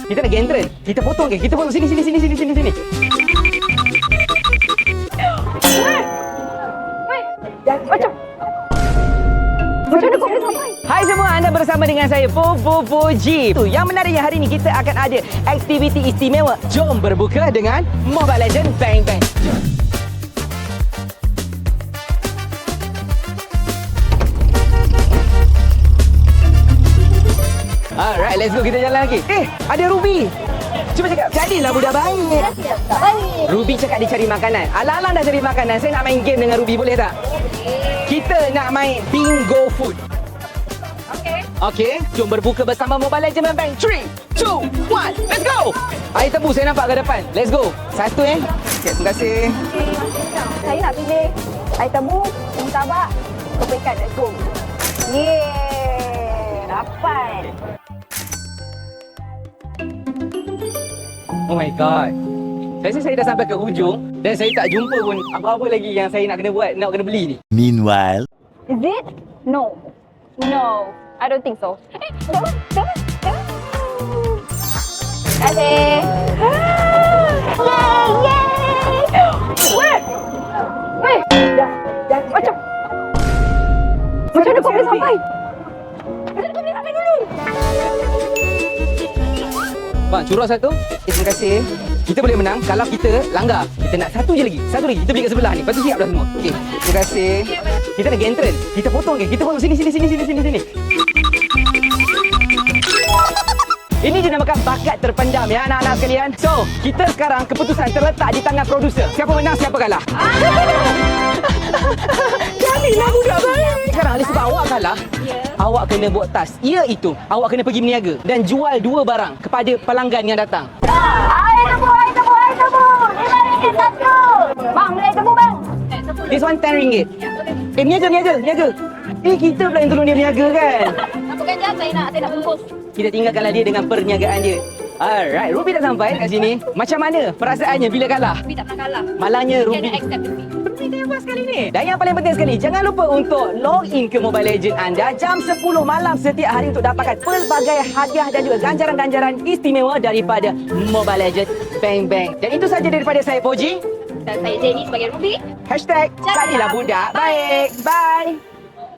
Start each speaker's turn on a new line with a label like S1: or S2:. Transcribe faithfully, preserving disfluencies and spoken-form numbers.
S1: Kita nak gentren. Kita potong ke? Kita potong sini sini sini sini sini sini.
S2: Macam Macam mana kau boleh sampai?
S1: Hai semua, anda bersama dengan saya Popo Poji. Yang menariknya hari ini kita akan ada aktiviti istimewa. Jom berbuka dengan Mobile Legends Bang Bang. Alright, let's go, kita jalan lagi. Eh, ada Ruby. Cuba cakap, jadilah budak baik.
S2: Tak baik.
S1: Ruby cakap dia cari makanan. Alang-alang dah cari makanan. Saya nak main game dengan Ruby, boleh tak? Kita nak main bingo food.
S2: Okey.
S1: Okey, jom berbuka bersama Mobile Legends Bang. three, two, one, let's go! Air tebu saya nampak ke depan. Let's go. Satu eh. Okay, terima kasih.
S2: Saya nak pilih air tebu, murtabak, kepekat. Let's go. Yeay. Dapat.
S1: Oh my god. Saya rasa saya dah sampai ke hujung dan saya tak jumpa pun apa-apa lagi yang saya nak kena buat, nak kena beli ni.
S3: Meanwhile,
S2: Is it? No. No. I don't think so. Eh, jangan. Jangan. Jangan. Terima kasih. Yeay. Yeay. Weh. Weh. Macam. Macam mana kau boleh sampai? Macam mana kau boleh sampai dulu?
S1: Bang, curah satu. Eh, terima kasih. Kita boleh menang kalau kita langgar. Kita nak satu je lagi. Satu lagi. Kita beli kat sebelah ni. Lepas tu siap dah semua. Okey. Terima kasih. Kita nak gentren. Kita potong ke? Kita potong sini sini sini sini sini sini. Ini dinamakan bakat terpendam ya anak-anak sekalian. So, kita sekarang keputusan terletak di tangan produser. Siapa menang, siapa kalah. Jadilah budak baik. Sekarang Ali sebab awak kalah,
S2: Ya.
S1: awak kena buat task. Iaitu, awak kena pergi berniaga dan jual dua barang kepada pelanggan yang datang.
S2: Air tebu, air tebu, air tebu. Lima ringgit satu. Bang, beli air tebu bang.
S1: This one ten ringgit. Eh, niaga, niaga, niaga. Eh, kita pula yang tolong dia niaga kan?
S2: Apa kan jam saya nak, saya nak bungkus.
S1: Kita tinggalkanlah dia dengan perniagaan dia. Alright, Ruby dah sampai kat sini. Macam mana perasaannya bila kalah?
S2: Tapi tak pernah kalah.
S1: Malangnya
S2: Kena
S1: Ruby.
S2: accept with me.
S1: Ruby tengah buat sekali ni. Dan yang paling penting sekali, jangan lupa untuk log in ke Mobile Legends anda jam sepuluh malam setiap hari untuk dapatkan pelbagai hadiah dan juga ganjaran-ganjaran istimewa daripada Mobile Legends Bang Bang. Dan itu saja daripada saya, Poji.
S2: Dan saya Jenny sebagai Ruby.
S1: Hashtag
S2: Jadilah
S1: jadilah budak baik. Bye.